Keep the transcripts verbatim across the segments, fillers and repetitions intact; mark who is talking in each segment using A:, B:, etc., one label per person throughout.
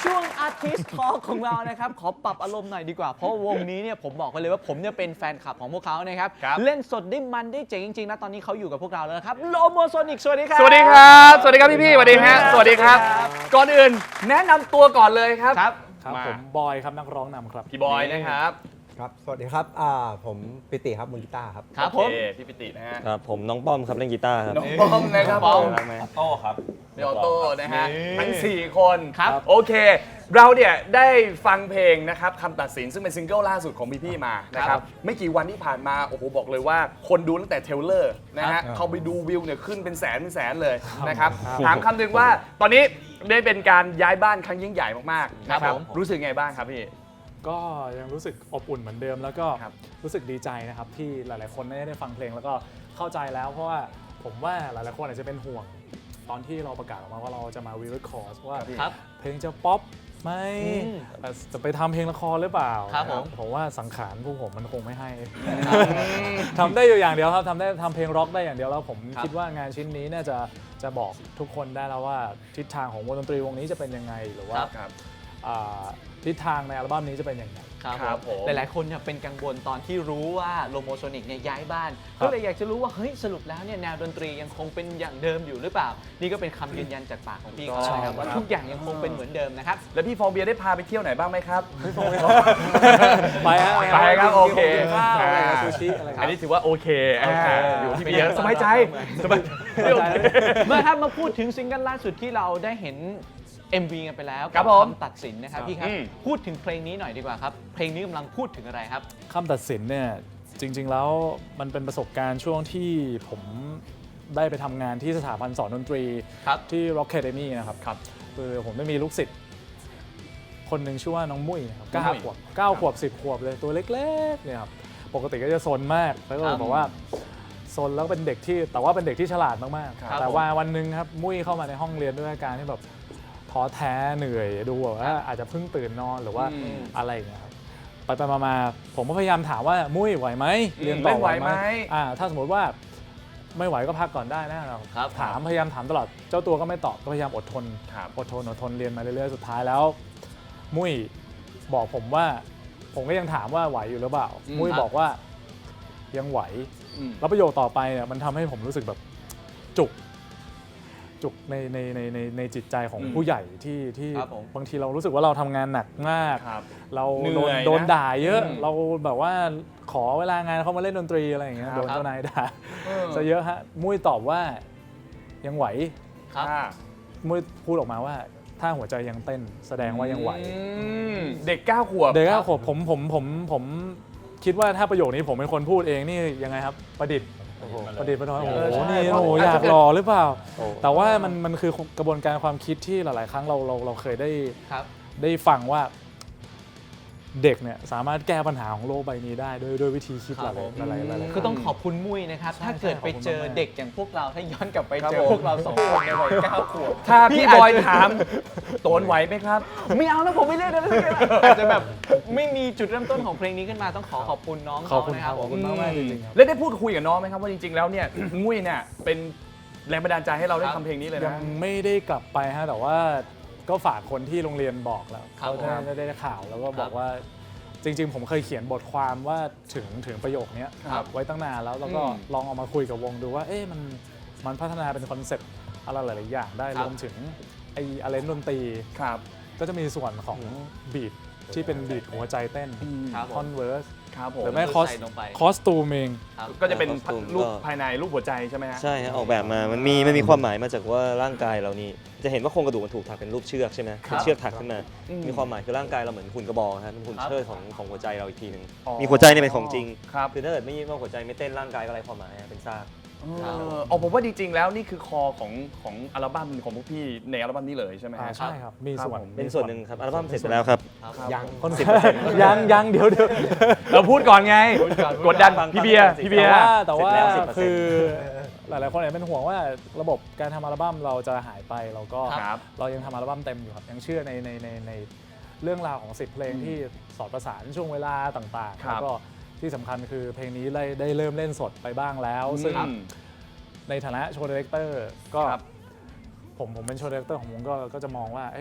A: ช่วง Artist Talk ของเรานะครับขอปรับอารมณ์หน่อยดีกว่าเพราะวงนี้เนี่ยผมบอกกันเลยว่าผมเนี่ยเป็นแฟนคลับของพวกเขานะครับเล่นสดได้มันได้เจ๋งจริงๆนะตอนนี้เขาอยู่กับพวกเราแล้วนะครับโลโมโซนิกสวัสดีครับ
B: สวัสดีครับสวัสดีครับพี่ๆสวัสดีฮะสวัสดีครับก่อนอื่นแนะนำตัวก่อนเลยครับ
A: ครับ
C: ครับผมบอยครับนักร้องนำครับ
B: พี่บอยนะครับ
D: ครับสวัสดีครับอ่าผมปิติครับมือกีตาร์ครับ
A: ครับผม
B: โอเคพี่ปิตินะฮะ
E: ครับผมน้องป้อมครับเล่นกีตาร์ครับ
B: น้องป้อมนะครับ
A: ป้อม
E: รักไหม
D: โต้ครับ
B: พี่ออโต้นะฮะ
A: นี่
B: ทั้งสี่คน
A: ครับ
B: โอเค เราเนี่ยได้ฟังเพลงนะครับคำตัดสินซึ่งเป็นซิงเกิลล่าสุดของพี่ๆมานะครับไม่กี่วันที่ผ่านมาโอ้โหบอกเลยว่าคนดูตั้งแต่เทรลเลอร์นะฮะเขาไปดูวิวเนี่ยขึ้นเป็นแสนเป็นแสนเลยนะครับถามคำหนึ่งว่าตอนนี้ได้เป็นการย้ายบ้านครั้งยิ่งใหญ่มากๆนะครับรู้สึกไงบ้างครับพี่
C: ก็ยังรู้สึกอบอุ่นเหมือนเดิม แล้วก็
B: ครับ
C: รู้สึกดีใจนะครับที่หลายๆคนได้ได้ฟังเพลงแล้วก็เข้าใจแล้วเพราะว่าผมว่าหลายๆคนอาจจะเป็นห่วงตอนที่เราประกาศออกมาว่าเราจะมาวีคอร์สว่า
A: ครับ
C: เพลงจะป๊อปไหม
A: อืม
C: จะไปทำเพลงละครหรือเปล่า
A: ครับผม
C: ผมว่าสังขารพวกผมมันคงไม่ให้ ทำได้อยู่อย่างเดียวครับทำได้ทำเพลงร็อกได้อย่างเดียวแล้วผม
A: ครับ
C: คิดว่างานชิ้นนี้น่าจะจะบอกทุกคนได้แล้วว่าทิศทางของวงดนตรีวงนี้จะเป็นยังไงหรือว่า
B: ครับ
C: อ่าทิศทางในอัลบั้มนี้จะเป็นยังไง
A: ครับ
B: ครับ
A: ผ
B: ผม ม
A: หลายๆคนเนี่ยเป็นกังวลตอนที่รู้ว่าโลโมโซนิกเนี่ยย้ายบ้านก็เลยอยากจะรู้ว่าเฮ้ยสรุปแล้วเนี่ยแนวดนตรียังคงเป็นอย่างเดิมอยู่หรือเปล่า นี่ก็เป็นคำยืนยันจากปากของพี่เขาแล้วนะครับว่าทุกอย่างยังคงเป็นเหมือนเดิมนะครับ
B: แล้วพี่ฟองเบียร์ได้พาไปเที่ยวไหนบ้างไหมครับ
C: ไปฮะ
B: ไปครับโอเค
C: กินข้าวอะไรกับซูชิอะไรค
B: อั
C: รั
B: น
C: บ
B: นี้ถือว่าโอเคอ่า
C: โอเค
B: อยู่ที่เบียร์สบายใจสบาย
C: สบายใจ
A: เมื่อครับมาพูดถึงซิงเกิลล่าสุดที่เราได้เห็น เอ็ม วี กันไปแล้ว
B: ครับผม
A: คำตัดสินนะครับพี่ครับ
B: อืม
A: พูดถึงเพลงนี้หน่อยดีกว่าครับเพลงนี้กำลังพูดถึงอะไรครับ
C: คำตัดสินเนี่ยจริง ๆ แล้วมันเป็นประสบการณ์ช่วงที่ผมได้ไปทำงานที่สถาบันสอนดนตรี
A: ครับ
C: ที่ Rock Academy นะครับครับคือผมได้มีลูกศิษย์คนหนึ่งชื่อว่าน้องมุ้ยนะครับเก้าขวบเก้าขวบสิบขวบเลยตัวเล็กๆเนี่ยครับปกติก็จะซนมากแล้วก็
A: ครับ
C: บอกว่าซนแล้วเป็นเด็กที่แต่ว่าเป็นเด็กที่ฉลาดมาก
A: ครับ
C: ๆแต่ว่าวันหนึ่งครับมุ้ยเข้ามาในห้องเรียนด้วยอาการที่แบบท้อแท้เหนื่อยดูแบบว่าอาจจะเพิ่งตื่นนอนหรือว่า
B: อืม
C: อะไรอย่างเงี้ยครับไปไปมามาผมก็พยายามถามว่ามุ้ยไหวไหมเรียนต่อ
B: เล่นไหวไหม
C: อ่าถ้าสมมติว่าไม่ไหวก็พักก่อนได้นะเรา
A: ครับ
C: ถามพยายามถามตลอดเจ้าตัวก็ไม่ตอบก็พยายามอดทน
B: ครับ
C: อดทนอดทนเรียนมาเรื่อยๆสุดท้ายแล้ว มุ้ยบอกผมว่า ผมก็ยังถามว่าไหวอยู่หรือเปล่า
A: อืม
C: มุ้ย
A: ครับ
C: บอกว่ายังไหว
B: อืม
C: แล้วประโยคต่อไปเนี่ยมันทำให้ผมรู้สึกแบบจุก จุกในในในในในจิตใจของ
B: อืม
C: ผู้ใหญ่ที่ที่
A: ครับผม
C: บางทีเรารู้สึกว่าเราทำงานหนักมาก
B: ครับ
C: เรา
B: เหนื่
C: โดน
B: อยนะ
C: โดนด่าเยอะ
B: อืม
C: เราแบบว่าขอเวลางานเขามาเล่นดนตรีอะไรอย่างเงี้ย
B: ครับ
C: โดนเจ้านายด่า
B: เออ
C: ซะเยอะฮะมุ้ยตอบว่ายังไหว
A: ครับ
B: อ่า
C: มุ้ยพูดออกมาว่าถ้าหัวใจยังเต้นแสดงว่ายังไหว
B: อืมเด็กเก้าขวบ
C: เด็กก็ผมผมผมผมผมคิดว่าถ้าประโยคนี้ผมเป็นคนพูดเองนี่ยังไงครับ ประดิษฐ์ประดิษฐ์ประดอยโอ้
B: เออ
C: โห
B: ใช่
C: นี่
B: เพราะ
C: โอ้โห
B: อาจ
C: อ
B: จะ
C: ยากหล่อหรือเปล่า
E: โอ้
C: แต่ว่ามันมันคือกระบวนการความคิดที่หลาย ๆ ครั้งเราเราเราเคยได้
A: ครับ
C: ได้ฟังว่าเด็กเนี่ยสามารถแก้ปัญหาของโลกใบนี้ได้ด้วยด้วยวิธีคิด
A: ค
C: ห
A: รั
C: ลา
A: บ
C: ย
A: ผม
C: ๆหลายๆหลายๆ
A: คือต้องขอบคุณมุ้ยนะครับ
C: ใช่
A: ถ้าเกิดไปเจอ
C: ขอบคุณมากๆ
A: เด็กอย่างพวกเราถ้าย้อนกลับไป
B: ครับ
A: เจอ
B: ผม
A: พวกเราสองคนในวัยเก้าขวบ
B: ถ้าพี่บอย
A: อาจจะ
B: ถามโตนไหวไหมครับ
A: ไม่เอาแล้วผมไม่เล่นแล้วอาจจะแบบไม่มีจุดเริ่มต้นของเพลงนี้ขึ้นมาต้องขอขอบคุณน้อง
C: ขอบคุณ
A: นะ
C: ค
A: ค
C: รั
A: รั
C: บบ ขอบ
A: ผ
C: คุณ
A: ม
C: มากมากๆจริงๆครับ
B: แล้วได้พูดคุยกับน้องไหมครับว่าจริงๆแล้วเนี่ย งุ้ยเนี่ยเป็นแรงบันดาลใจให้เราได้
A: ครับ
B: ทำเพลงนี้เลย
C: ยั
B: นะ
C: งไม่ได้กลับไปฮะแต่ว่าก็ฝากคนที่โรงเรียนบอกแล้ว
A: ครับ
C: เขา
A: ผม
C: ได้ได้ได้ข่าวแล้วก็บอ
A: ครั
C: ก
A: บ
C: ว่าจริง ๆ ผมเคยเขียนบทความว่าถึงถึงประโยคเนี้ย
B: ครับ
C: ไว้ตั้งนานแล้วแล้วก็
B: อืม
C: ลองเอามาคุยกับวงดูว่าเอ๊ะมันมันพัฒนาเป็นคอนเซ็ปต์อะไรหลาย ๆ อย่างได้
A: ครั
C: ร
A: บ
C: วมถึงไอ้อาเลนดนตรี
B: ครับ
C: ก็จะมีส่วนของบีทที่เป็นบีทหัวใจเต้น
A: ครับผ
C: คอ
A: ม
C: นเวิร์ส
B: ครับผ
C: ห
B: ม
C: รือไม่
A: คือ
C: คอส
A: ใส่ลงไป
C: คอสตูมเอง
A: ครับ
B: ก็จะเป็น
E: คอสตูม
B: รูป
E: ก็
B: ภายในรูปหัวใจใช่ไหมฮะ
E: ใช่ฮะออกแบบมา มันมีมันมีความหมายมาจากว่าร่างกายเรานี่จะเห็นว่าโครงกระดูกมันถูกถักเป็นรูปเชือกใช่ไหม
A: ครับ
E: เป็นเชือกถักขึ้นมา
B: อืม
E: มีความหมายคือร่างกายเราเหมือนหุ่นกระบอกฮะเป็นหุ่น
A: ครับ
E: เชิดของของหัวใจเราอีกทีหนึ่ง
B: อ๋อ
E: มีหัวใจเนี่ยเป็นของจริง
B: ครับ
E: คือถ้าเกิดไม่ว่าหัวใจไม่เต้นร่างกายก็ไร้ความหมายฮะเป็นซาก
B: เอออ๋อผมว่าจริงๆแล้วนี่คือคอของของอัลบั้มของพวกพี่ในอัลบั้มนี้เลยใช่ไหม
C: อ่า
B: ฮะ
C: ใช่ครับ มีส่วน
B: ครับผม
E: เป็นส่วนหนึ่งครับอัลบั้มเสร็จไปแล้วครับ
A: ครับ
D: ยัง
C: คน ยังยังเดี๋ยวเดี๋ยว
B: เราพูดก่อนไง กดดัน
E: ฟัง
B: พี่เบียร์
E: ฟัง
B: พี่เบีย
C: แต่
B: ร์
C: ว่าแต่ว่า
E: เสร็จแล้วสิบเปอร์เซ็นต์
C: คือหลายๆคนอาจจะเป็นห่วงว่าระบบการทำอัลบั้มเราจะหายไปเราก็
B: ครับ
C: เรายังทำอัลบั้มเต็มอยู่ครับยังเชื่อในในในในเรื่องราวของสิบเพลงที่สอดประสานช่วงเวลาต่างๆ
B: ครั
C: แล้
B: บ
C: วก็ที่สำคัญคือเพลงนี้ได้ได้เริ่มเล่นสดไปบ้างแล้ว ซึ่ง
B: อืม
C: ในฐานะโชว์ดีเรคเตอร์ก็
B: ครับ
C: ผมผมเป็นโชว์ดีเรคเตอร์ของวงก็ก็จะมองว่าเอ้ยเพ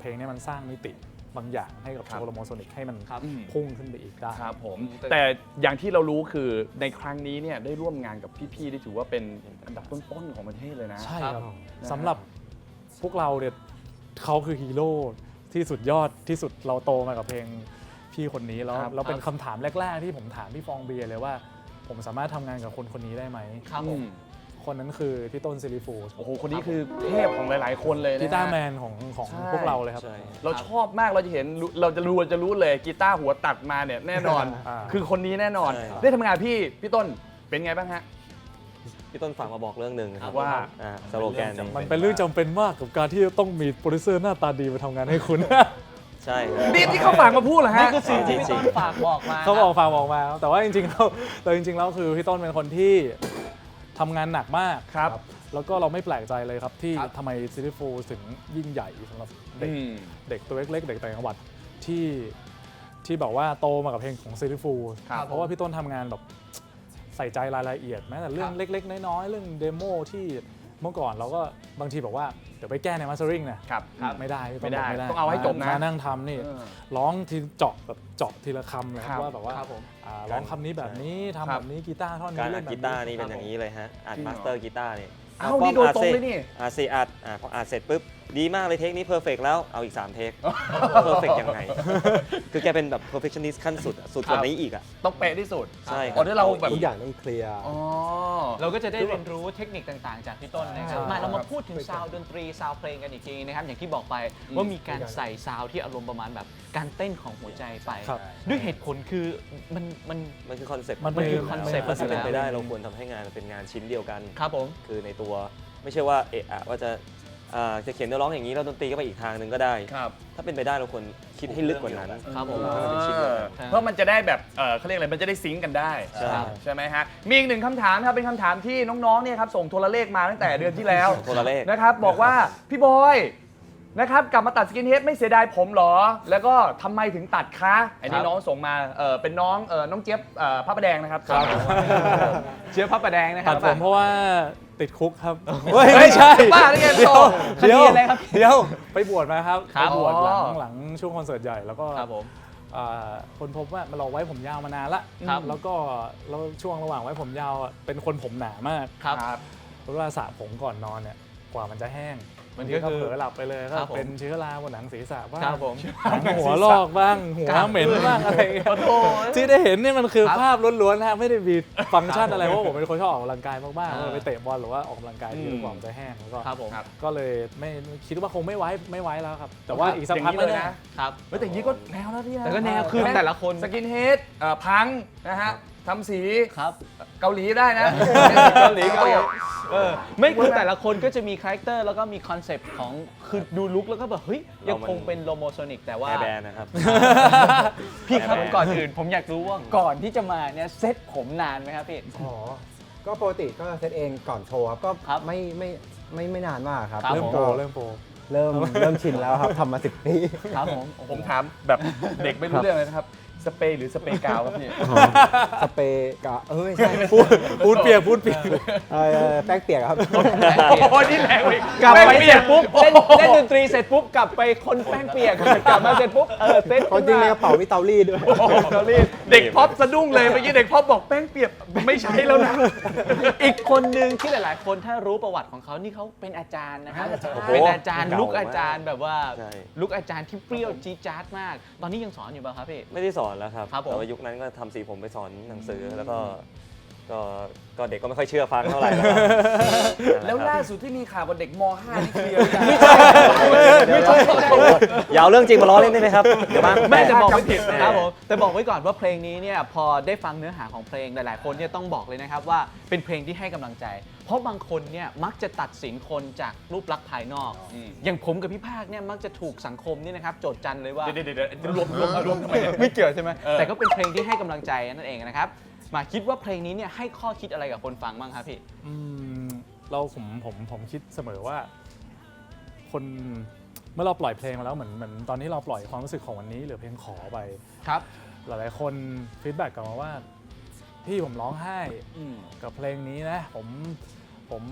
C: เพลงเนี้มันสร้างมิติบางอย่างให้กับ
B: ครับ
C: โชว์โลโมโซนิกให้มัน
A: ครับ
C: พุ่งขึ้นไปอีกได้
B: ครับผม
A: แต่
B: แต่อย่างที่เรารู้คือในครั้งนี้เนี่ยได้ร่วมงานกับพี่ๆที่ถือว่าเป็นอันดับต้นๆของประเทศเลยนะ
C: ใช่ครับ
B: ครับ
C: สำหรับพวกเราเนี่ยเขาคือฮีโร่ที่สุดยอดที่สุดเราโตมากับเพลงพี่คนนี้แล้ว
B: ครับ
C: เราเป็นคำถามแรก ๆ ที่ผมถามพี่ฟองเบียร์เลยว่า ผมสามารถทำงานกับคนคนนี้ได้ไหม
A: ครับผม
C: คนนั้นคือพี่ต้นซิลิฟู
B: โอ้โหคนนี้คือเทพของหลายๆ คนเลยนะ
C: กีตาร์
B: ฮะ
C: แมนของของ
B: ใช่
C: พวกเราเลยครับ
E: ใช่
B: เราชอบมากเราจะเห็นเราจะรู้จะรู้เลยกีตาร์หัวตัดมาเนี่ยแน่นอน
C: อ่า
B: คือคนนี้แน่นอน
E: ใช่
B: ได้ทำงานพี่พี่ต้นเป็นไงบ้างฮะ
E: พี่ต้นฝากมาบอกเรื่องหนึ่งนะครับ
B: ว่า
E: อ่าสโลแกนนี้
C: มันเป็นเรื่องจำเป็นมากกับการที่จะต้องมีโปรดิวเซอร์หน้าตาดีมาทำงานให้คุณ
E: ใช่ครับ
B: นี่ที่เขาฝากมาพูดเหรอฮะ
A: นี่คือสิ่งที่พี่ต้นฝากบอกมา
C: เขาบอกฟังบอกมา แต่ว่าจริงๆแล้วแต่จริงๆแล้วคือพี่ต้นเป็นคนที่ทำงานหนักมาก
B: ครับ
C: แล้วก็เราไม่แปลกใจเลยครับที่
B: ครับ
C: ทำไมซิลิฟูถึงยิ่งใหญ่สำหรับเด็ก
B: อืม
C: เด็กตัวเล็กๆเด็กต่างจังหวัดที่ที่แบบว่าโตมากับเพลงของซิลิฟู
B: ครับ
C: เพราะว่าพี่ต้นทำงานแบบใส่ใจรายละเอียดแม้แต่เรื่องเล็กๆน้อยๆเรื่องเดโมที่เมื่อก่อนเราก็บางทีบอกว่าเดี๋ยวไปแก้ในมาสเตอริงเนี่ย
B: ครับ
C: ไม่ได้พี่ต้น
B: ไม่ได้
C: บอกไม่ได้
B: ต้องเอาให้จบนะ
C: มานั่งทำนี่
B: เออ
C: ร้องทีเจาะแบบเจาะทีละคำเลยค
B: ครั
C: รับบ ว่าแบบว่า
A: ครับผม
C: อ่าร้องคำนี้แบบนี้ทำ
B: ครับ
C: แบบนี้กีตาร์ท่อน
E: การ
C: นี้
E: อั
C: เล่
E: ด
C: นแบบ
E: กีตาร์นี่เป็นอย่างนี้เลยฮะอัด
B: จริงเหรอ
E: มาสเตอร์กีตาร์นี่
B: เอ้านี่โดยตรงเลยนี่
E: อาซีอัดอ่าพออัดเสร็จปุ๊บดีมากเลยเทคนี้เพอร์เฟกแล้วเอาอีกสามเทคเพอร์เฟกยังไง คือแกเป็นแบบ perfectionist ขั้นสุดอะสุดกว่านี้อีกอ่ะ
B: ต้องเป๊ะที่สุด
E: ใช่ครับ
B: อ๋อที่เราแบบ
D: ทุกอย่างต้องเคลียร์
B: อ๋อ
A: เราก็จะได้เรียนรู้เทคนิคต่างๆ จากพี่ต้นนะครับ
C: ใช่
A: มาเรามาพูดถึงซาวด์ดนตรีซาวด์เพลงกันอีกทีนะครับ อย่างที่บอกไปว่ามีการใส่ซาวด์ที่อารมณ์ประมาณแบบการเต้นของหัวใจไป
C: ครับ
A: ด้วยเหตุผลคือมันมัน
E: มันคือคอนเซ็ปต์
C: มัน
A: มันคือ
C: เป็น
A: concept
E: ถ้าเป็นไปได้
A: อยู่แล้ว
E: เราควรทำให้งานมันเป็นงานชิ้นเดียวกัน
A: ครับผม
E: คือในตัวไม่ใช่ว่าเอะอะว่าจะอ่าจะเขียนเนื้อร้องอย่างนี้แล้วดนตรีก็ไปอีกทางหนึ่งก็ได้
B: ครับ
E: ถ้าเป็นไปได้เราควรคิดให้ลึกกว่านั้น
A: ครับผม
E: ให้มันเป็นชิ้นเดียวกัน
A: ครับ
B: เพราะมันจะได้แบบเออเขาเรียกอะไรมันจะได้ซิงก์กันได้
E: ใช่
B: ใช่ไหมฮะมีอีกหนึ่งคำถามครับเป็นคำถามที่น้องๆเนี่ยครับส่งโทรเลขมาตั้งแต่เดือนที่แล้ว
E: โทรเลข
B: นะครับบอกว่าพี่บอยนะครับกลับมาตัดสกินเฮดไม่เสียดายผมเหรอ แล้วก็ทำไมถึงตัดคะอันนี้น้องส่งมาเออเป็นน้องเออน้องเจี๊ยบเอ่อพระประแดงนะครับ
A: เชื้อพระประแดงนะค
C: ตั
A: รั
C: ด
A: บ
C: ผมเพราะว่าติดคุกครับ
D: เฮ้ย
C: ไม่ใช่
B: บ้าได้ไงโต
A: คดีอะไรครับ
C: เดี๋ยวไปบวชมาครับ
A: ครั
C: ไป
A: บบ
C: วชหลั
B: อ๋
C: ง
B: อ
C: หลังช่วงคอนเสิร์ตใหญ่แล้วก็
A: ครับผม
C: อ่าคนพบว่ามันเราไว้ผมยาวมานานละ
A: ครับ
C: แล้วก็แล้วช่วงระหว่างไว้ผมยาวอ่ะเป็นคนผมหนามาก
A: ครับ
C: เวลาสระผมก่อนนอนเนี่ยกว่ามันจะแห้ง
A: มัน
C: บาง
A: ก็
C: ทีก็
A: คือ
C: เผลอหลับไปเลยก็
A: ครับผม
C: เป็นเชื้อราบนหนังศีรษะบ้าง
A: ครับผม
C: หนังหัวลอกบ้างหัวเหม็นบ้างอะไรอย่างเงี้ย
A: โอ้โห
C: ที่ได้เห็นเนี่ยมันคือ
A: ครับ
C: ภาพล้วนๆนะฮะไม่ได้มีฟังก์ชันอะไรเพราะผมเป็นคนชอบออกกำลังกายมากๆ
A: อ่า
C: เลยไปเตะบอลหรือว่าออกกำลังกายที่
B: อืม
C: กว่ามันจะแห้งแล้วก็
A: ครับผม
C: ก็เลยไม่คิดว่าคงไม่ไว้ไม่ไว้แล้วครับ แต่ว่าอีกสัก
B: อย่าง
C: พัก
B: นี้
C: ไม่
B: เลย
C: แน่
B: นะ
A: ครับ
B: เฮ้ยแต่อย่างนี้ก็แนวแล้วพี่นะ
A: แต่ก็แนวคือแต่ละคน
B: สกินเฮดเอ่อพังนะฮะทำสี
A: ครับ
B: เกาหลีได้นะ
A: เกาหลีก็เออไม่คือแต่ละคนก็จะมีคาแรคเตอร์แล้วก็มีคอนเซปต์ของคือดูลุคแล้วก็แบบเฮ้ยยังคงเป็นโลโมโซนิกแต่ว่า
E: แอร์แบนนะครับ
A: พี่ครับ
E: แบน
A: ก่อนอื่นผมอยากรู้ว่าก่อนที่จะมาเนี่ยเซ็ตผมนานไหมครับพี่
D: อ๋อ ก็ปกติก็เซตเองก่อนโชว์ครับ ก็
A: ครับ
D: ไม่ไม่ไม่ไม่นานมากครับ
A: ครับ
C: เริ่ม
A: ผม
C: โปรเริ่มโปร
D: เริ่มเริ่มชินแล้วครับทำมาสิบปี
A: ครับผม
B: ผมถามแบบเด็กไม่รู้เรื่องเลยนะครับ สเปรย์หรือสเปรย์กาวครับพี่
D: สเปรย์กะเอ้ยไม่ใช่
C: พูดพูดเปียกพูดเปียก
D: เอ่อแป้งเปียกครับ
B: โอ้นี่แรงอีก
A: กลับไป
B: แม่ง
A: เสร็จปุ๊บเล่นเล่นดนตรีเสร็จปุ๊บกลับไปคนแป้งเปียกกลับมาเสร็จปุ๊บเออเซ็ต
D: คนจริงในกระเป๋ามีเตารีดด้วย
B: เด็กพ็อปสะดุ้งเลยเมื่อกี้เด็กพ็อปบอกแป้งเปียกไม่ใช่แล้วนะ
A: อีกคนหนึ่งที่หลายๆ คนถ้ารู้ประวัติของเขานี่เขาเป็นอาจารย์นะครับ
E: โอ้โห
A: เป็นอาจารย์
E: เก่ามาก
A: ลุกอาจารย์แบบว่า
E: ใช่
A: ลุกอาจารย์ที่เปรี้ยวจี๊ดจ๊าดมาก ตอนนี้ยังสอนอยู่ป่ะครับพี่
E: ไม่ได้สอนแล้วครับ
A: ครับผม
E: แต่ว่ายุคนั้นก็ทำสีผมไปสอนหนังสือแล้วก็ก็ก็เด็กก็ไม่ค่อยเชื่อฟังเท่าไหร่แล้วครับ
B: แล้วล่าสุดที่มีข่าวกับเด็กม .ห้า นี่เคลียร์หรือยัง
E: ไม่ใช่อย่าเอาเรื่องจริงมาล้อเล่นได้ไหมครับเดี๋ยวบ้าง
A: แม่จะบอกไม่
B: จำผิ
A: ผิด
B: ด
A: นะครับผมแต่บอกไว้ก่อนว่าเพลงนี้เนี่ยพอได้ฟังเนื้อหาของเพลงหลายๆ คนเนี่ยต้องบอกเลยนะครับว่าเป็นเพลงที่ให้กำลังใจ เพราะบางคนเนี่ยมักจะตัดสินคนจากรูปลักษณ์ภายนอก อย่างผมกับพี่ภาคเนี่ยมักจะถูกสังคมนี่นะครับโจทย์จันเลยว่า
B: เดี๋ยวเดี๋ยวเดี๋ยวรวมรวมรวมทำไมเนี่ย
A: ไม่เกี่ยวใช่ไหม
B: เออ
A: แต่ก็เป็นเพลงที่ให้กำลังใจนั่นเองนะครับมาคิดว่าเพลงนี้เนี่ยให้ข้อคิดอะไรกับคนฟังบ้างครับพี่
C: อืมเราผมผมผมคิดเสมอว่า คนเมื่อเราปล่อยเพลงมาแล้วเหมือนเหมือนตอนนี้เราปล่อยความรู้สึกของวันนี้หรือเพลงขอไป
A: ครับ
C: หลายๆคนฟีดแบ็กกลับมาว่าพี่ผมร้องไห้กับเพลงนี้นะผมผม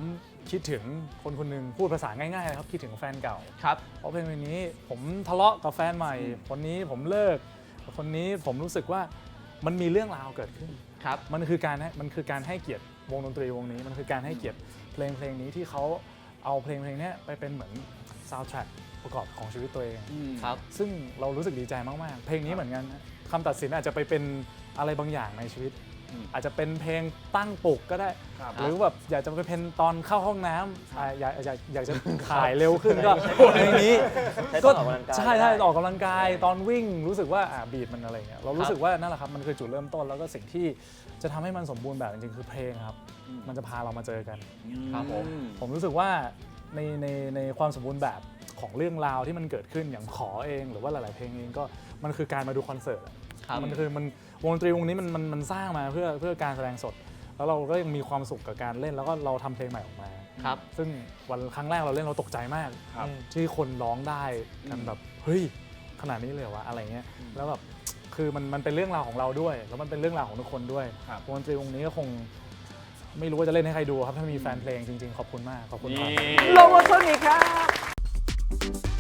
C: คิดถึงคนคนหนึ่งพูดภาษาง่ายๆเลยครับคิดถึงแฟนเก่า
A: ครับ
C: เพราะเพลงเพลงนี้ผมทะเลาะกับแฟนใหม่ คนนี้ผมเลิกคนนี้ผมรู้สึกว่ามันมีเรื่องราวเกิดขึ้น
A: ครับ
C: มันคือการให้มันคือการให้เกียรติวงดนตรีวงนี้ มันคือการให้เกียรติเพลงเพลงนี้ที่เขาเอาเพลงเพลงนี้ไปเป็นเหมือนซาวด์แทร็กประกอบของชีวิตตัวเอง
A: ครับ
C: ซึ่งเรารู้สึกดีใจมากๆ เพลงนี้เหมือนกันนะคำตัดสินอาจจะไปเป็นอะไรบางอย่างในชีวิต
B: อืม
C: อาจจะเป็นเพลงตั้งปลุกก็ได้
B: ครับ
C: หรือแบบอยากจะไปเป็นตอนเข้าห้องน้ำอ่าอยากอยากอยากจะถ่ายเร็วขึ้นก็เพลงนี้
E: ใช้ตอนออกกำลังกาย
C: ใช่ใช่
E: ได้
C: ออกกำลังกายตอนวิ่งรู้สึกว่าอ่าบีทมันอะไรเงี้ยเรารู้สึกว่านั่นแหละครับมันคือจุดเริ่มต้นแล้วก็สิ่งที่จะทำให้มันสมบูรณ์แบบจริงๆคือเพลงครับมันจะพาเรามาเจอกัน
A: ครับผม
C: ผมรู้สึกว่าในในในความสมบูรณ์แบบของเรื่องราวที่มันเกิดขึ้นอย่างขอเองหรือว่าหลายๆเพลงเองก็มันคือการมาดูคอนเสิร์ตอะ
A: ครับ
C: มันคือมันวงดนตรีวงนี้มันมันมันสร้างมาเพื่อเพื่อการแสดงสด แล้วเราก็ยังมีความสุขกับการเล่นแล้วก็เราทำเพลงใหม่ออกมา
A: ครับ
C: ซึ่งวันครั้งแรกเราเล่นเราตกใจมาก
B: ครับ
C: ที่คนร้องได้กันแบบเฮ้ยขนาดนี้เลยเหรอวะอะไรเงี้ยแล้วแบบคือมันมันเป็นเรื่องราวของเราด้วย แล้วมันเป็นเรื่องราวของทุกคนด้วย
B: ครับ
C: วงดนตรีวงนี้ก็คงไม่รู้ว่าจะเล่นให้ใครดูครับถ้ามีแฟนเพลงจริงๆขอบคุณมากขอบคุณครับ
A: โลโมโซนิกครับ